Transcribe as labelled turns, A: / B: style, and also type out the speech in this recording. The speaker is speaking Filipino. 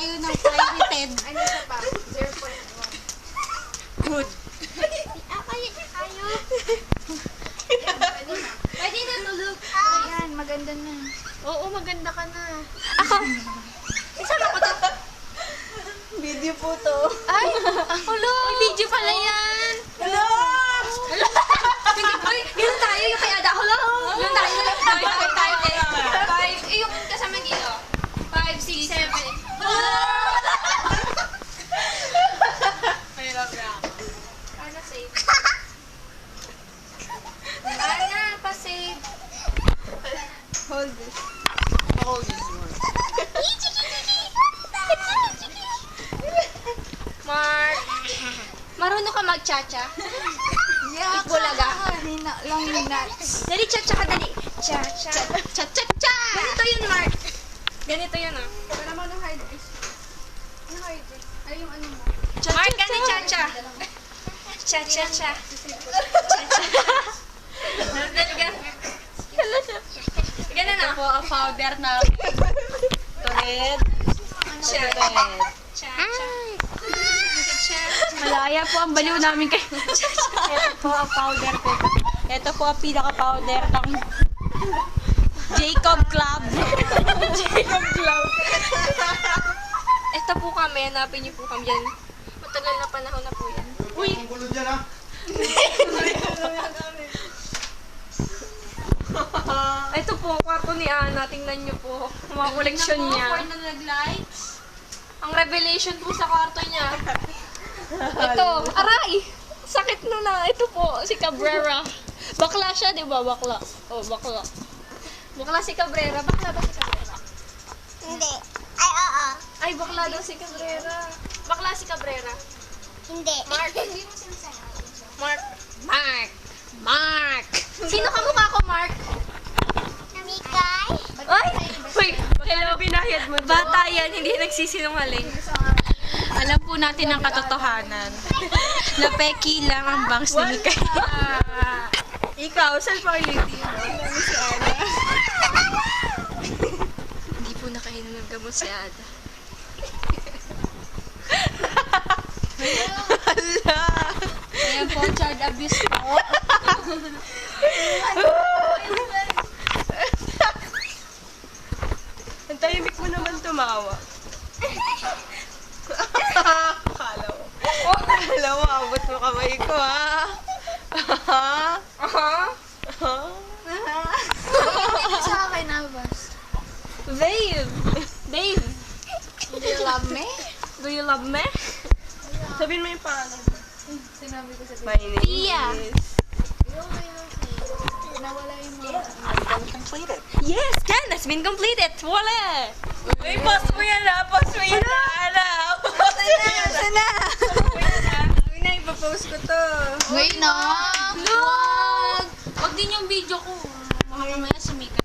A: tayo ng pirated.
B: Ano sa pa? 0.1.
A: Good.
B: Pwede na tulog. Ayan, maganda na. Oo, maganda ka na. Ako. Isama ko to.
A: Video po to.
B: Ay, hello. Ay, video pala yan.
A: Hello!
B: Hello. Ay, ganun tayo yung kay Ada. Hello. Ganun tayo. Ganun tayo. 5, yung kasama dito. 5, 6, 7.
A: Mahirap na ako.
B: Ano, save? Ana, pa-save.
A: Hold this. Hold this one.
B: Mark. Marunong ka mag-cha-cha?
A: Yeah,
B: Bulaga.
A: Hina lang yung nuts.
B: Dali, cha-cha ka, dali. Cha-cha. Cha-cha-cha! Ganito yun, Mark. Ganito yun, ah.
A: Wala mo ng hard disk. Ano hard disk? Ay, yung ano mo.
B: Mark, ganito, cha-cha. Cha-cha-cha. Cha-cha. Ganun,
A: Ito
B: ah.
A: po ang powder na red.
B: Cha. Cha-cha. Cha.
A: Malaya po ang baliw namin kay. Ito po ang powder ko. Ito po ang pinaka-powder ng Jacob Club. Jacob Club.
B: Ito po kami, hanapin niyo po kami dyan. Matagal na panahon na po yan. Uy!
C: Ang gulo dyan, ha?
B: Ito po, kwarto ni Ana. Tingnan niyo po. Mga koleksyon niya.
A: na nag-lights.
B: Ang revelation po sa kwarto niya. Ito, aray! Sakit na. Ito po, si Cabrera. Bakla siya, di ba? Bakla. Oh, bakla. Bakla si Cabrera. Bakla ba si Cabrera?
D: Hindi. Ay, oo.
B: Ay, bakla daw si Cabrera. Bakla si Cabrera.
D: Hindi.
B: Mark. Mark. Mark. Mark. Sino kamukha ko, Mark?
D: Mikay?
B: Ay! Wait, hello. Binayad mo bata yan, hindi nagsisinungaling.
A: Alam po natin ang katotohanan. Na peki lang ang bangs ni Mikay.
B: Ikaw, saan pa kayo yung team?
A: Si Ana.
B: Hindi po nakainom ng gamot si Ada.
A: Hala. Ayan po, child abuse po.
B: Ang tahimik mo naman tumawa.
A: Akala mo, abot mo kamay ko, ha?
D: Sa akin, Abas.
B: Dave! Dave!
D: Do you love me?
B: Do you love me? Sabihin mo yung pangalan.
D: Sinabi ko sa
A: My name
B: Tia.
A: is...
D: Nawala yung mga...
B: Yes, Ken has been completed. Wala!
A: Uy, post mo yan, ha? Post mo yan, Ana. Post mo yan.
B: Sana! Sabi na, ipapost ko to.
D: Wait na!
B: Look!
A: Wag din yung video ko. Mamaya si Mikay.